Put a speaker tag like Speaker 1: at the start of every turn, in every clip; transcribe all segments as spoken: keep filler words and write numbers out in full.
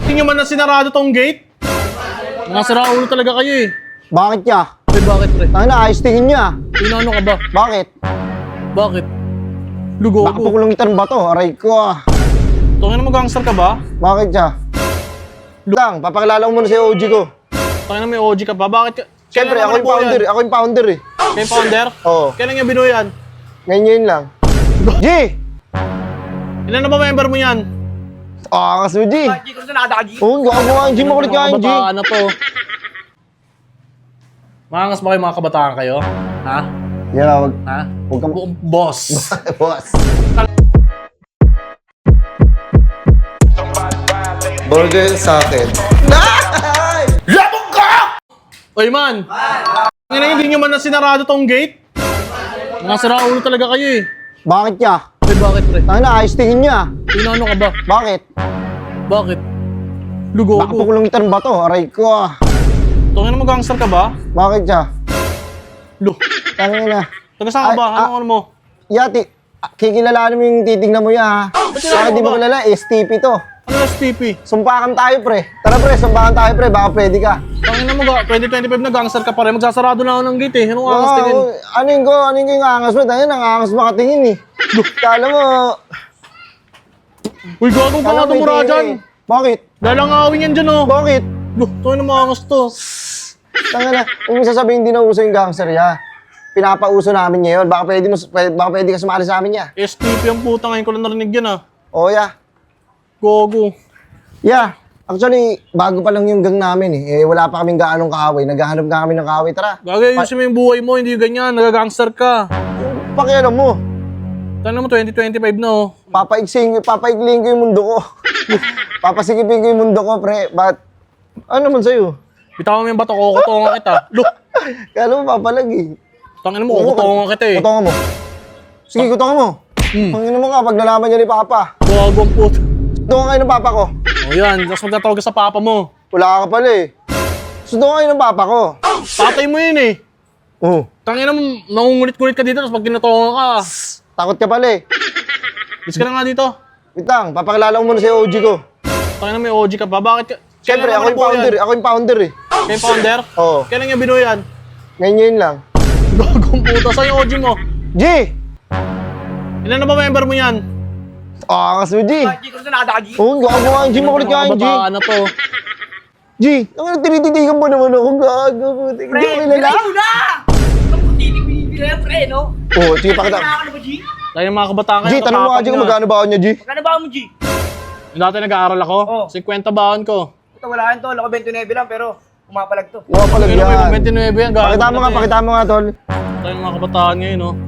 Speaker 1: Tingnan man na sinarado tong gate. Mga siraulo talaga kayo eh.
Speaker 2: Bakit ya?
Speaker 1: Eh bakit pre?
Speaker 2: Tangin na, ayos tingin niya.
Speaker 1: Inano ka ba?
Speaker 2: Bakit?
Speaker 1: Bakit? Lugo
Speaker 2: Baka
Speaker 1: ko.
Speaker 2: pukulungitan ba to? Aray ko ah.
Speaker 1: Tungin na mag-gangster ka ba?
Speaker 2: Bakit siya? Lang, papakilala ko muna si O G ko.
Speaker 1: Tungin na may O G ka ba? Bakit ka?
Speaker 2: Siyempre, ako yung founder. Ako yung founder eh.
Speaker 1: Kayo founder?
Speaker 2: Oo.
Speaker 1: Kailan niya binuo yan?
Speaker 2: Ngayon ngayon lang. G!
Speaker 1: Ilan na ba member mo yan?
Speaker 2: Ah, kasi G.
Speaker 3: G, kung saan nakadaka, G?
Speaker 2: Oo, gawa mo nga yung G. Makulit ka yung G.
Speaker 1: Kabataan na to. Maangas ba kayo mga kabataan kayo? Ha?
Speaker 2: Yeah, wag.
Speaker 1: Ha?
Speaker 2: Huwag kang...
Speaker 1: Bu- Boss.
Speaker 2: Boss. Burger sa akin.
Speaker 1: Labog ka! Oy man! Ngayon hindi nyo man na sinarado tong gate? Mga siraulo talaga kayo eh.
Speaker 2: Bakit ya?
Speaker 1: Eh bakit pre?
Speaker 2: Tangin na, ayos tingin niya.
Speaker 1: Inano ka ba?
Speaker 2: Bakit?
Speaker 1: Bakit? Lugo
Speaker 2: Baka
Speaker 1: ko.
Speaker 2: pukulungitan ba to? Aray ko ah.
Speaker 1: Tungin na mag-gangster ka ba?
Speaker 2: Bakit siya?
Speaker 1: Lu.
Speaker 2: Tangin na.
Speaker 1: Taga saan ka
Speaker 2: Ay,
Speaker 1: ba?
Speaker 2: ah.
Speaker 1: Ano ano mo?
Speaker 2: Yati, kikilalanin mo yung titignan mo ya ha. Bakit di mo kilala? S T P to.
Speaker 1: Ano S T P?
Speaker 2: Sumpakan tayo pre. Tara pre, sumpakan tayo pre. Baka pwede ka.
Speaker 1: Tungin na mag twenty twenty-five na gangster ka pa rin. Magsasarado na ako ng gate eh. Anong angas tingin?
Speaker 2: ano yung ko? Ano yung angas mo? Tangin, ang angas makatingin eh. Kala mo,
Speaker 1: Uy, gagawin ka
Speaker 2: kala
Speaker 1: nga
Speaker 2: mo may
Speaker 1: tumura
Speaker 2: tingin
Speaker 1: dyan.
Speaker 2: eh. Bakit?
Speaker 1: Lalangawin yan dyan oh.
Speaker 2: Bakit?
Speaker 1: Lu, tungin na maangas to.
Speaker 2: Tangin na, kung sasabihin hindi na uso yung gangster ya. Pinapauso namin ngayon. Baka pwede, mo, pwede, baka pwede ka sumali sa amin ya.
Speaker 1: S T P ang puta ngayon ko lang narinig yan ah.
Speaker 2: Oo ya.
Speaker 1: Gogo.
Speaker 2: Yeah. Actually, bago pa lang yung gang namin eh. eh wala pa kaming gaanong kaaway. Naghahanap nga kami ng kaaway. Tara.
Speaker 1: Gagayusin mo yung buhay mo, hindi ganyan. Nagagangster ka.
Speaker 2: Pakialam mo.
Speaker 1: Tanong mo, twenty twenty-five na oh.
Speaker 2: Papaiksing, papaikling ko yung mundo ko. Papasikipin ko yung mundo ko, pre. But, ano naman sa'yo?
Speaker 1: Bitawan mo yung bato ko, kukutongan kita. Lu,
Speaker 2: Kala mo papalag eh.
Speaker 1: tangin mo, kukutongan kita eh.
Speaker 2: Kutongan mo. Sige, kutongan mo.
Speaker 1: Hmm.
Speaker 2: Panginoon mo ka, pag nalaman niya ni Papa.
Speaker 1: Gago ang puto.
Speaker 2: Kutongan kayo ng Papa ko.
Speaker 1: O yan, tapos magtatawag ka sa papa mo.
Speaker 2: Wala ka pala eh. Kutongan kayo ng Papa ko.
Speaker 1: Patay mo yun eh.
Speaker 2: Oh,
Speaker 1: Tangin na, nangungulit-kulit ka dito, tapos pag kinutongan ka.
Speaker 2: takot ka pala eh.
Speaker 1: Bis ka na nga dito.
Speaker 2: Witang, papakilala ko muna si O G ko.
Speaker 1: Tangin na may O G ka pa, bakit ka?
Speaker 2: Siyempre,
Speaker 1: Kailan
Speaker 2: ako yung
Speaker 1: naman
Speaker 2: founder.
Speaker 1: yan?
Speaker 2: Ako yung founder eh.
Speaker 1: Kayo founder?
Speaker 2: Oo.
Speaker 1: Kailan niya binuo yan?
Speaker 2: Ngayon ngayon lang.
Speaker 1: Gagong puto, saan yung O G mo?
Speaker 2: G!
Speaker 1: Ilan na ba member mo yan?
Speaker 2: Ah, kasi G.
Speaker 3: G, kung saan nakadaka, G?
Speaker 2: Oo, gawa mo nga yung G. Makulit ka yung G.
Speaker 1: Kabataan na to.
Speaker 2: G, ang tinititigan mo naman ako. Gago, puti. Hindi ko kilala.
Speaker 3: Pre, mo na! Ang titig binibira yan, pre, no?
Speaker 2: Oo, sige, pakita.
Speaker 3: Nakaka na ba, G?
Speaker 1: Dahil yung mga kabataan
Speaker 2: G, tanong mo nga G kung magkano ba ako niya, G?
Speaker 3: Magkano ba mo, G?
Speaker 1: Yung dati nag-aaral ako,
Speaker 3: Oh.
Speaker 1: fifty baon ko.
Speaker 3: Ito, wala yan to. Lako twenty-nine lang, pero pumapalag to.
Speaker 2: Mga palag
Speaker 1: Pero may
Speaker 2: yan.
Speaker 1: twenty-nine yan, gago
Speaker 2: Pakita mo
Speaker 1: na
Speaker 2: nga,
Speaker 1: to eh.
Speaker 2: pakita mo nga, tol.
Speaker 1: Tayo yung mga kabataan ngayon, no?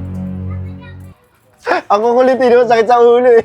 Speaker 2: Ang kukulitin mo, sakit sa ulo eh.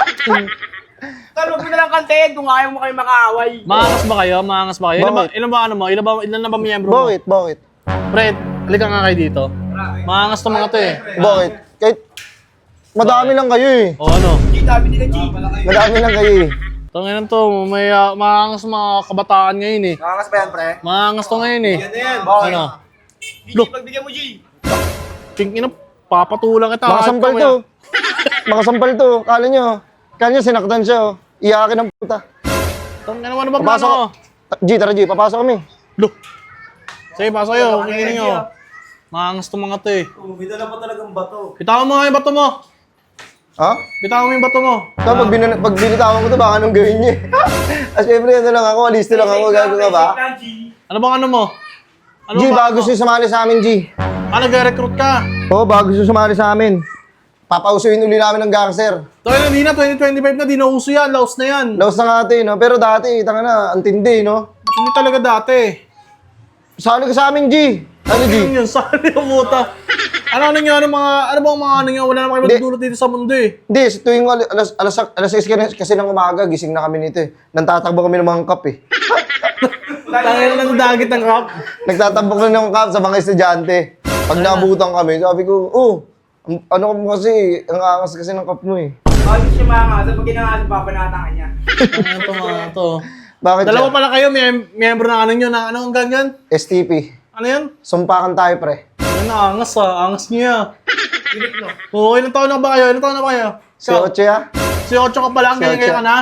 Speaker 3: Tol, huwag mo na lang kantayin kung ayaw mo kayo makaaway.
Speaker 1: Maangas ba kayo? Maangas ba kayo? Ilan ba,
Speaker 2: Bakit?
Speaker 1: ilan ba ano mo? Ilan ba, ilan na ba miyembro mo?
Speaker 2: Bakit? Bakit?
Speaker 1: Fred, halika nga kayo dito. Maangas to mga to eh.
Speaker 2: Bakit? Kahit madami lang kayo eh.
Speaker 1: O ano?
Speaker 3: G, dami nila, G.
Speaker 2: Madami lang kayo eh.
Speaker 1: Tangin to, may uh, maangas mga kabataan ngayon eh.
Speaker 3: Nakakas ba yan, pre?
Speaker 1: Maangas to ngayon eh.
Speaker 3: Bakit?
Speaker 1: Ano?
Speaker 3: G,
Speaker 1: Look.
Speaker 3: pagbigyan mo, G.
Speaker 1: King ina, papatulang kita.
Speaker 2: Makasampal to. Makasampal to. Kala nyo, kala nyo sinaktan siya oh. Iyakin ng puta.
Speaker 1: Tangin naman ba
Speaker 2: Papasok.
Speaker 1: plano?
Speaker 2: G, tara G, papasok kami.
Speaker 1: Look. Sige, pasok kayo. Kingin nyo. Maangas to mga to eh.
Speaker 3: Bumida na pa talagang bato.
Speaker 1: Bitawan mo nga yung bato mo.
Speaker 2: Ha?
Speaker 1: Bitawan mo yung bato mo.
Speaker 2: Ito, pag, bin- pag binitawan ko to, baka anong gawin niya eh. As syempre, ano lang ako, alisto lang ako, gago ka ba?
Speaker 1: Ano bang ano mo? Ano
Speaker 2: G,
Speaker 1: bang
Speaker 2: bago
Speaker 1: ano?
Speaker 2: siya sumali sa amin, G.
Speaker 1: Ah, nag-recruit ka.
Speaker 2: Oo, bago siya sumali sa amin. Papausuin uli namin ng gangster.
Speaker 1: Tayo na, di na, twenty twenty-five na, di na uso yan, laos na yan.
Speaker 2: Laos na nga ito, eh, no? Pero dati, tanga na, ang tindi, no?
Speaker 1: Hindi talaga dati.
Speaker 2: Sali ka sa amin, G. Ano, G?
Speaker 1: Ano yun, sali yung puta. Ano ano nyo, ano mga, ano bang mga ano nyo, wala naman kayo
Speaker 2: Hindi.
Speaker 1: magdulot dito sa mundo eh.
Speaker 2: Hindi, sa tuwing alas, alas, alas, alas sais kasi ng umaga, gising na kami nito, eh. Nantatakbo kami ng mga cup, eh.
Speaker 1: Tangin na ng dagit ng rap.
Speaker 2: Nagtatabok na ng cup sa mga estudyante. Pag naabutan kami, sabi ko, oh, ang- ano ka mo kasi, ang angas kasi ng cup mo, eh.
Speaker 3: Bakit siya mga pag ginangasan, papanatan ka niya.
Speaker 1: Tangin to mga to.
Speaker 2: Bakit
Speaker 1: Dalawa
Speaker 2: siya?
Speaker 1: pala kayo, may miyembro ng ano nyo, na ano ang ganyan?
Speaker 2: S T P.
Speaker 1: Ano yan?
Speaker 2: Sumpakan tayo, pre.
Speaker 1: Ano na, angas ah, angas niya.
Speaker 3: Unit, no?
Speaker 1: Oo, ilang taon na ba kayo? Ilang taon na ba kayo?
Speaker 2: Si Oche, ah.
Speaker 1: Si Ocho ka pala, ang
Speaker 2: Si
Speaker 1: ganyan
Speaker 2: Ocho.
Speaker 1: ka na.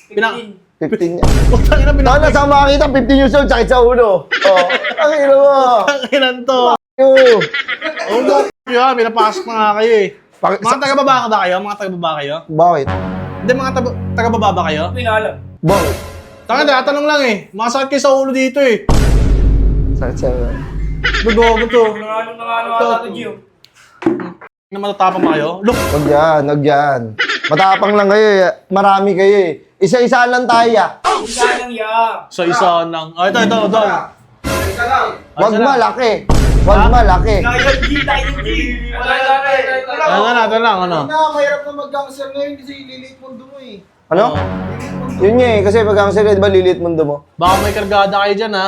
Speaker 1: Pina...
Speaker 2: fifteen niya.
Speaker 1: Putang ina,
Speaker 2: Tao
Speaker 1: pinaka...
Speaker 2: na sa makakita, fifteen years old, sakit sa ulo. Oh, ang ino mo.
Speaker 1: Putang ina to.
Speaker 2: Yo.
Speaker 1: Oo, oh, yun, pinapasok na nga kayo eh.
Speaker 2: Paki-
Speaker 1: Mga taga-baba ba kayo? Mga taga-baba kayo?
Speaker 2: Bakit?
Speaker 1: Hindi, mga taga- taga-baba ba kayo?
Speaker 3: Pinalam.
Speaker 2: Bakit?
Speaker 1: Tanga, tatanong lang eh. Mga sakit kayo sa ulo dito eh.
Speaker 2: Sakit sa ulo.
Speaker 1: Dugo to.
Speaker 3: Nanganong nanganong ata to, Gio.
Speaker 1: Na matatapang ba kayo? Look!
Speaker 2: Huwag yan, huwag yan. Matapang lang kayo eh. Marami kayo eh. Isa-isa lang tayo ah.
Speaker 3: Isa lang ya.
Speaker 1: Sa isa ng... Oh, ito, ito, ito.
Speaker 3: Isa lang.
Speaker 2: Huwag
Speaker 1: isa lang.
Speaker 2: malaki. Huwag
Speaker 1: Ha?
Speaker 2: malaki.
Speaker 3: Tayo G, tayo G. Wala lang eh.
Speaker 1: Ano na, ito lang, ano?
Speaker 4: Na, mahirap na mag-gangster ngayon kasi lilit mundo mo eh.
Speaker 2: Ano? Yun nga eh, kasi pag ang sila, di ba lilit mundo mo?
Speaker 1: Baka may kargada kayo dyan, ha?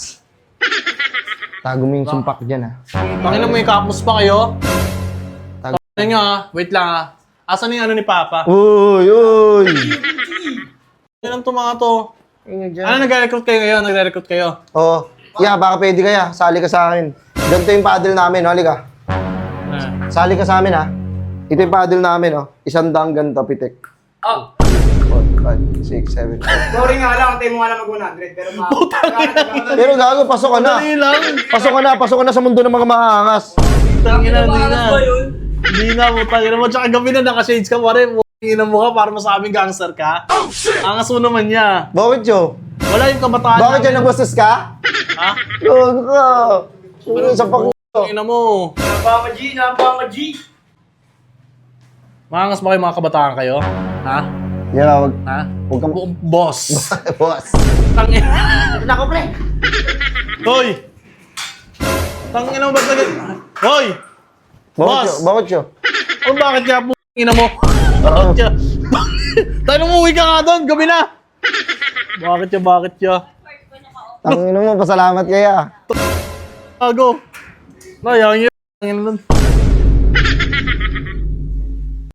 Speaker 2: Tago mo yung sumpak dyan ah.
Speaker 1: Pakinggan mo yung kapos pa kayo.
Speaker 2: Tago.
Speaker 1: Ano nyo, ha? Wait lang, ha? Asan yung ano ni Papa?
Speaker 2: Uy, uy.
Speaker 1: Yan ang to mga to.
Speaker 2: Ingat dyan.
Speaker 1: Ano, nagre-recruit kayo ngayon? Nagre-recruit kayo?
Speaker 2: Oo. Yeah, baka pwede kaya. Sali ka sa akin. Ganito yung paddle namin, halika.
Speaker 1: Ah.
Speaker 2: Sali ka sa amin ha. Ito yung paddle namin, oh. Isang daang ganito, pitik.
Speaker 3: Ah,
Speaker 2: four, five, six, seven, eight.
Speaker 3: sorry nga lang, tayo mo nga lang mag one hundred. Pero ma...
Speaker 2: Pero gago, pasok ka na.
Speaker 1: Dali lang.
Speaker 2: Pasok ka na, pasok ka na sa mundo ng mga maangas.
Speaker 1: Tangina, hindi na. Hindi na, putangina mo. Tsaka gabi na naka-shades ka pa rin. Putangina mo ka para masabing gangster ka. Angas mo naman niya.
Speaker 2: Bakit yo?
Speaker 1: Wala yung kabataan
Speaker 2: Bakit yan, nagbastos ka?
Speaker 1: Ha?
Speaker 2: Gago ka. Ano sa pag...
Speaker 1: Tangina mo.
Speaker 3: Napaka G, napaka G.
Speaker 1: Maangas ba kayo mga kabataan kayo? Ha?
Speaker 2: Yeah, wag...
Speaker 1: Ha?
Speaker 2: Huwag kang...
Speaker 1: Bu- Boss.
Speaker 2: Boss.
Speaker 1: Tangina.
Speaker 3: Ito na ko, pre.
Speaker 1: Hoy! Tangina mo ba't nag... Hoy!
Speaker 2: Bakit
Speaker 1: Boss.
Speaker 2: yo? Bakit yo?
Speaker 1: Ano bakit kaya putangina mo? Bakit kaya? Tayo nung umuwi ka nga doon, gabi na! Bakit ya, bakit ya?
Speaker 2: Tangino mo, pasalamat kaya.
Speaker 1: Bago. Nayang yun. Tangina doon.